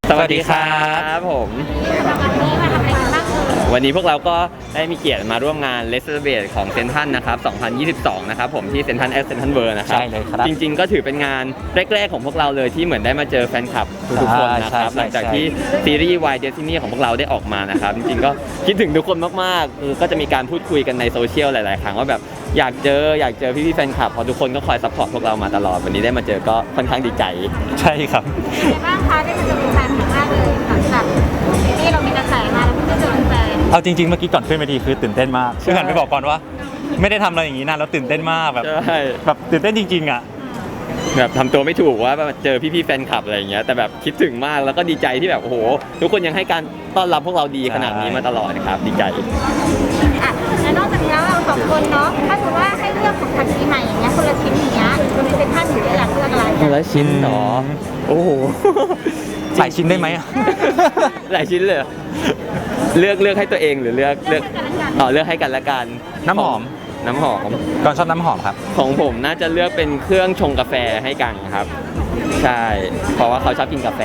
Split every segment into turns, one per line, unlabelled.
สวัสดีครับผมวันนี้พวกเราก็ได้มีเกียรติมาร่วมงาน Let's Celebrate ของเซนทรัลนะครับ2022นะครับผมที่เซนทรัลเซนทรัลเวิลด์นะครับ
ใช่เลยครับ
จริงๆก็ถือเป็นงานแรกๆของพวกเราเลยที่เหมือนได้มาเจอแฟนคลับทุกๆคนนะครับหลังจากที่ซีรีส์ Why Destiny ของพวกเราได้ออกมานะครับจริงๆก็คิดถึงทุกคนมากๆก็จะมีการพูดคุยกันในโซเชียลหลายๆครั้งว่าแบบอยากเจอพี่ๆแฟนคลับเพราะทุกคนก็คอยซัพพอร์ตพวกเรามาตลอดวันนี้ได้มาเจอก็ค่อนข้างดีใจ
ใช่ครับ
เป็นไงบ้างคะได้มาเจอแฟนครั้งแรกเลยหลังจากที่เรามีกระแสมาแล้วเพิ่งได้เจอแฟน
เอาจริงๆเมื่อกี้ก่อนขึ้นเวทีคือตื่นเต้นมากคือหันไปบอกก่อนว่าไม่ได้ทำอะไรอย่างนี้นะแล้วตื่นเต้นมากแบบตื่นเต้นจริงๆอ่ะ
แบบทำตัวไม่ถูกว่าเจอพี่ๆแฟนคลับอะไรอย่างเงี้ยแต่แบบคิดถึงมากแล้วก็ดีใจที่แบบโอ้โหทุกคนยังให้การต้อนรับพวกเราดีขนาดนี้มาตลอดนะครับดีใจ
อ่ะแล้วนอกจากนี้แล้วเราสองคนเนาะถ้าสมมติว่าให้เลือกของขวัญปีใหม่อย่างเงี้ยคนละชิ้นอย่างเงี้ยคนในเซ็นทรัลหนูอยากเลือกอะไร
คนละชิ้นเนาะโอ้โห
หลายชิ้นได้ไหม
หลายชิ้นเลยเลือกให้ตัวเองหรือเลือกเลือกให้กันละกัน
น้ำหอมก่อนชอบน้ำหอมครับ
ของผมน่าจะเลือกเป็นเครื่องชงกาแฟให้กันครับใช่เพราะว่าเขาชอบกินกาแฟ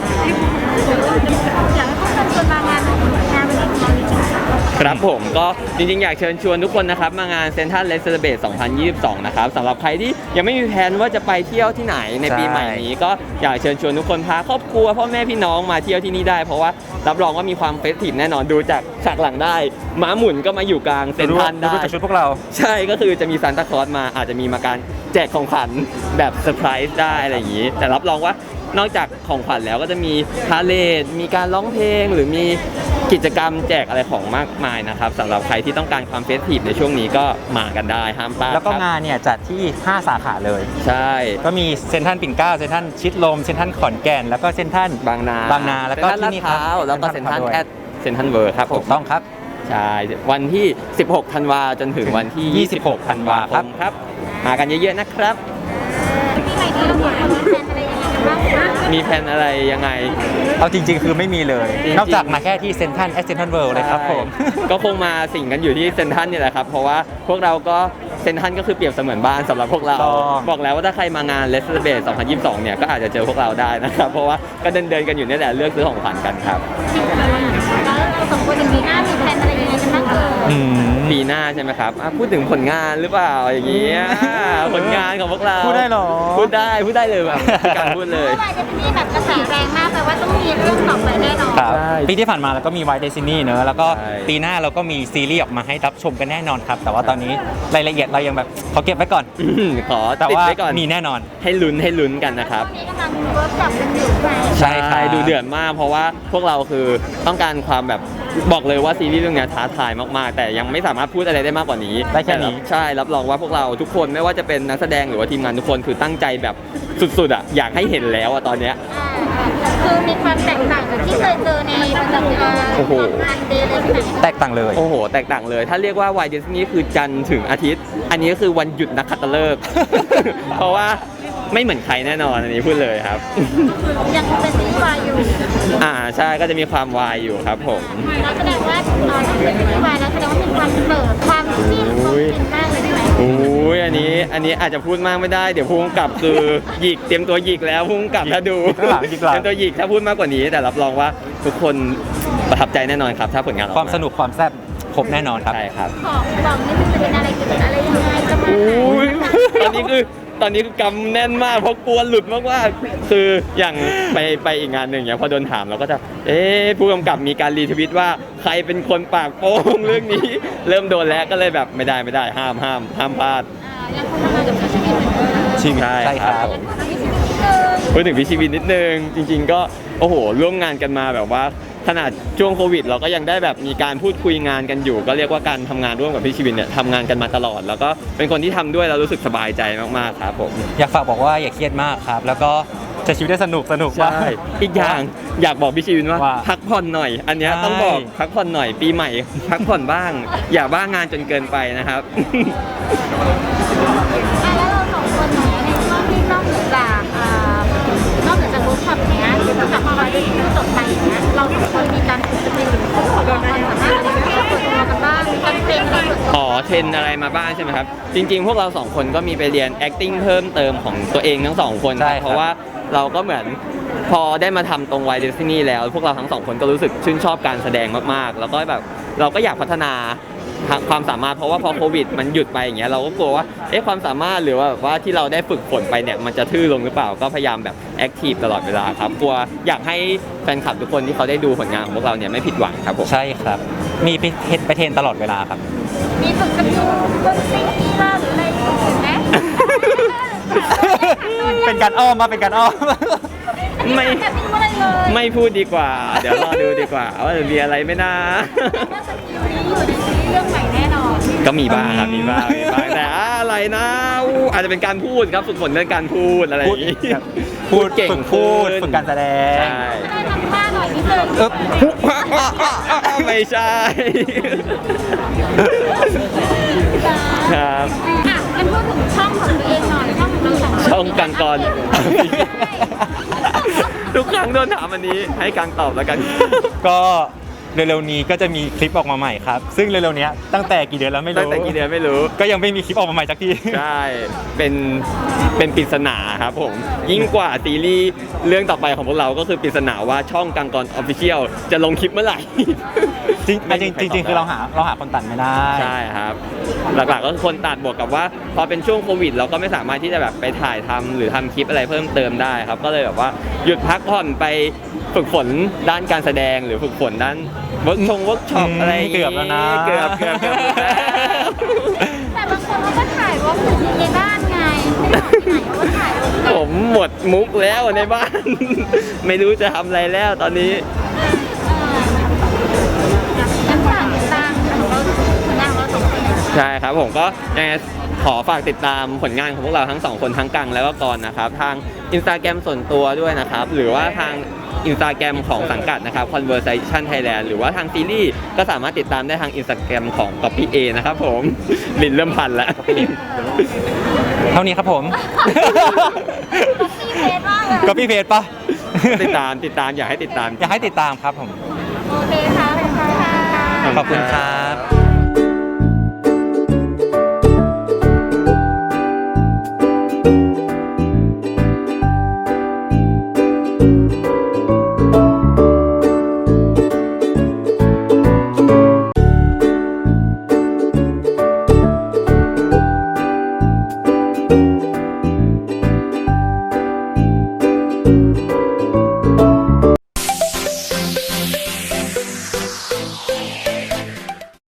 อยากให้พวกเราชวนมางานวันนี้
ครับผมก็จริงๆอยากเชิญชวนทุกคนนะครับมางานเซ็นทรัลเลสเซอร์เบส2022นะครับสำหรับใครที่ยังไม่มีแผนว่าจะไปเที่ยวที่ไหนในปีใหม่นี้ก็อยากเชิญชวนทุกคนพาครอบครัวพ่อแม่พี่น้องมาเที่ยวที่นี่ได้เพราะว่ารับรองว่ามีความเฟสทีฟแน่นอนดูจากฉากหลังได้ม้าหมุนก็มาอยู่กลางเซ็นทรัลได้
ดูจากชุดพวกเรา
ใช่ก็คือจะมีซานตาคลอสมาอาจจะมีมาการแจกของขวัญแบบเซอร์ไพรส์ได้อะไรอย่างนี้แต่รับรองว่านอกจากของขวัญแล้วก็จะมีพาเลทมีการร้องเพลงหรือมีกิจกรรมแจกอะไรของมากมายนะครับสำหรับใครที่ต้องการความเฟสทีฟในช่วงนี้ก็มากันได้ห้ามพลาด
แล้วก็งานเนี่ยจัดที่5สาขาเลย
ใช่
ก็มีเซ็นทรัลปิ่นเกล้าเซ็นทรัลชิดลมเซ็นทรัลขอนแก่นแล้วก็เซ็นทรัล
บางนา
แล้วก็ที่นี่ครับ
แล้วก็เซ็นทรัลเซ็นทรัลเวิร์ครับ
ถูกต้องครับ
ใช่วันที่16ธันวาจนถึงวันที่26ธันวาคมครับมากันเยอะๆนะครับ
ปีใหม่นี้เรามีแผนอะไรยังไงกันบ้างคะ
มีแผนอะไรยังไง
เอาจริงๆคือไม่มีเลยนอกจากมาแค่ที่เซ็นทรัลเซ็นทรัลเวิลด์เลยครับผม
ก็คงมาสิ่งกันอยู่ที่เซ็นทรัลนี่แหละครับเพราะว่าพวกเราก็เซ็นทรัลก็คือเปรียบเสมือนบ้านสำหรับพวกเราบอกแล้วว่าถ้าใครมางาน Let's Celebrate 2022เนี่ยก็อาจจะเจอพวกเราได้นะครับเพราะว่าก็เดินกันอยู่นี่แหละเลือกซื้อของขวัญกันครับ
แล้วเราสองคนปีหน้ามีแผนอะไรยังไงกันบ้าง
ปีหน้าใช่ไหมครับพูดถึงผลงานหรือเปล่าอย่างนี้ผลงานของพวกเรา
พูดได้หรอ
พูดได้เลยแบบการพูดเลย
วายเดซินี่แบบกระแสแรงมากแปลว่าต้องมีเรื่องต่อไปแน่นอน
ปีที่ผ่านมาแล้วก็มี Why Destiny เนอะแล้วก็ปีหน้าเราก็มีซีรีส์ออกมาให้รับชมกันแน่นอนครับแต่ว่าตอนนี้รายละเอียดเรายังแบบขอเก็บไว้ก่อน
ขอติดไว้ก่อน
มีแน่นอน
ให้ลุ้นกันนะครับ
นี้กำลังเวิร์กช็อปกันอยู่
ใช่ครับดูเดือดมากเพราะว่าพวกเราคือต้องการความแบบบอกเลยว่าซีรีส์เรื่องนี้ท้าทายมากๆแต่ยังไม่สามารถพูดอะไรได้มากกว่านี้
ได้แค่นี้
ใช่รับรองว่าพวกเราทุกคนไม่ว่าจะเป็นนักแสดงหรือว่าทีมงานทุกคนคือตั้งใจแบบสุดๆอ่ะอยากให้เห็นแล้วอ่ะตอนเนี้ย
คือมีความแตกต่างจากที่เคยเจอในประจำการงานเดย์เลย
แตกต่างเลย
โอ้โหแตกต่างเลยถ้าเรียกว่า Why Destiny คือจันทร์ถึงอาทิตย์อันนี้ก็คือวันหยุดนักขัตฤกษ์เพราะว่าไม่เหมือนใครแน่นอนอันนี้พูดเลยครับ
ยังเป็นซีรีส์วายอยู่
ใช่ก็จะมีความวายอยู่ครับผม
แล้วแสดงว่าถ้าเป็นซีรีส์วายแล้วแสดงว่ามีความเปิดความจิ้มเป็นมากเลยใช่ไหม
โอ้ยอันนี้อาจจะพูดมากไม่ได้เดี๋ยวผู้กำกับคือหยิกเตรียมตัวหยิกแล้วผู้กำกับถ้าดูเตรียมตัวหยิกถ้าพูดมากกว่านี้แต่รับรองว่าทุกคนประทับใจแน่นอนครับถ้าผลงานออกมา
ความสนุกความแซ่บครบแน่นอนครับ
ใช่ครับ
ของบอกนี่มันจะเป็นอะไรกินอะไรยังไงจะมา
ตอนนี้คือกำแน่นมากเพราะกลัวหลุดมากๆคืออย่างไปอีกงานหนึ่งอย่างพอโดนถามเราก็จะผู้กำกับมีการรีทวิตว่าใครเป็นคนปากโป้งเรื่องนี้เริ่มโดนแล้วก็เลยแบบไม่ได้ห้ามพลาด
ยังคงทำงานกับพี่ชีวิตเหมือนเดิม
ใช่ครับพูดถึงพี่ชีวิตนิดนึงจริงๆก็โอ้โหร่วมงานกันมาแบบว่าขนาดช่วงโควิดเราก็ยังได้แบบมีการพูดคุยงานกันอยู่ก็เรียกว่าการทำงานร่วมกับพี่ชีวินเนี่ยทำงานกันมาตลอดแล้วก็เป็นคนที่ทำด้วยเรารู้สึกสบายใจมากๆครับผม
อยากฝากบอกว่าอย่าเครียดมากครับแล้วก็ใช้ชีวิตได้สนุกว่า
อีกอย่างอยากบอกพี่ชีวินว่าพักผ่อนหน่อยอันนี้ต้องบอกพักผ่อนหน่อยปีใหม่พักผ่อนบ้างอย่าบ้างานจนเกินไปนะครับ
แล้วเราสองคนเนี่ยในช่วงที่นอกเหนือจากเวิร์กช็อปเนี้ยหรือจากมาได้ที่จบไปอย่างเงี้ยเราสองคนมีการฝึกสกิลของความสามารถอะไรที่เราเปิดตัวกันบ้างมีการเทรนอะไร
เทรนอะไรมาบ้างใช่ไหมครับจริงๆพวกเราสองคนก็มีไปเรียน acting เพิ่มเติมของตัวเองทั้งสองคนเพราะว่าเราก็เหมือนพอได้มาทำตรงไวเดซินี่แล้วพวกเราทั้งสองคนก็รู้สึกชื่นชอบการแสดงมากๆ แล้วก็แบบเราก็อยากพัฒนาความสามารถเพราะว่าพอโควิดมันหยุดไปอย่างเงี้ยเราก็กลัวว่าความสามารถหรือว่าแบบว่าที่เราได้ฝึกฝนไปเนี่ยมันจะทื่อลงหรือเปล่าก็พยายามแบบแอคทีฟตลอดเวลาครับกลัวอยากให้แฟนคลับทุกคนที่เขาได้ดูผลงานของพวกเราเนี่ยไม่ผิดหวังครับผม
ใช่ครับ มีไปเทรนตลอดเวลาครับ
มีฝึกสกิลดนตรีบ้างหรืออะไรอื่นไหม
เป็นการอ้อมมาเป็นการอ้อม
ไม่
แบบนี้อะไรเลย
ไม่พูดดีกว่า เดี๋ยวรอดูดีกว่าว่าจะมีอะไรไหม่น่า
ว่าสกิลนี้อยู่ในซีรีส์เรื่องใหม่แน่นอน
ก็มีบ้างครับมีบ้างแต่อะไรนะอาจจะเป็นการพูดครับฝึกฝนเรื่องการพูดอะไรอย่างนี้
พูด
เก่ง
ฝึกพูด
ขึ้น
ฝึกการแสดง
ใช่
ได้ทำท่าหน่อยนิดนึง
อึ๊บ
ไม่ใช่ ครับ
อ่ะงั้นพูดถึงช่องของตัวเองหน่อยช่องของเราสองคน
ช่องกังกร ทุกครั้งโดนถามอันนี้ให้กังตอบแล้วกัน
ก็เร็วๆนี้ก็จะมีคลิปออกมาใหม่ครับ ซึ่งเร็วๆนี้ตั้งแต่กี่เดือนแล้วไม่
ตั้ง
รู้
แต่กี่เดือนไม่รู้
ก็ยังไม่มีคลิปออกมาใหม่สักที
ใช่ เป็นปริศนาครับผม ยิ่งกว่าซีรีส์เรื่องต่อไปของพวกเราก็คือปริศนาว่าช่องกังกรออฟฟิเชียลจะลงคลิปเมื่อไหร่
จริงๆคือเราหาคนตัดไม่ได้
ใช่ครับ หลักๆก็คือคนตัดบวกกับว่าพอเป็นช่วงโควิด เราก็ไม่สามารถที่จะแบบไปถ่ายทำหรือทำคลิปอะไรเพิ่มเติมได้ครับ ก็เลยแบบว่าหยุดพักผ่อนไปฝึกฝนด้านการแสดงหรือฝึกฝนด้านเวิร์กช็อปอะไรย่างงี้
เกือบแล้วนะ
เกือบ
แต่บางคนเขาก็ถ่ายว่าอยู่ในบ้านไงไม่ออกไปไหนเขาก็ถ่ายลง
ผมหมดมุกแล้วในบ้าน ไม่รู้จะทำอะไรแล้วตอนนี้
งั้นฝากติดตามของเราผลงานของเราสองคน
ใช่ครับผมก็ยังไงขอฝากติดตามผลงานของพวกเราทั้งสองคนทั้งกังแล้วก็กรนะครับทาง Instagram ส่วนตัวด้วยนะครับหรือว่าทาง Instagram ของสังกัดนะครับ Conversation Thailand หรือว่าทางซีรีส์ก็สามารถติดตามได้ทาง Instagram ของ Copy A นะครับผม ลิ้นเริ่มพันแล้ว
เท่านี้ครับผม
มีเพจมากเลย
ก็พี่เพจปะ
ติดตามอยากให้ติดตาม
อยากให้ติดตามครับผม
โอเคค่ะขอบคุณค่ะ
ขอบคุณครับ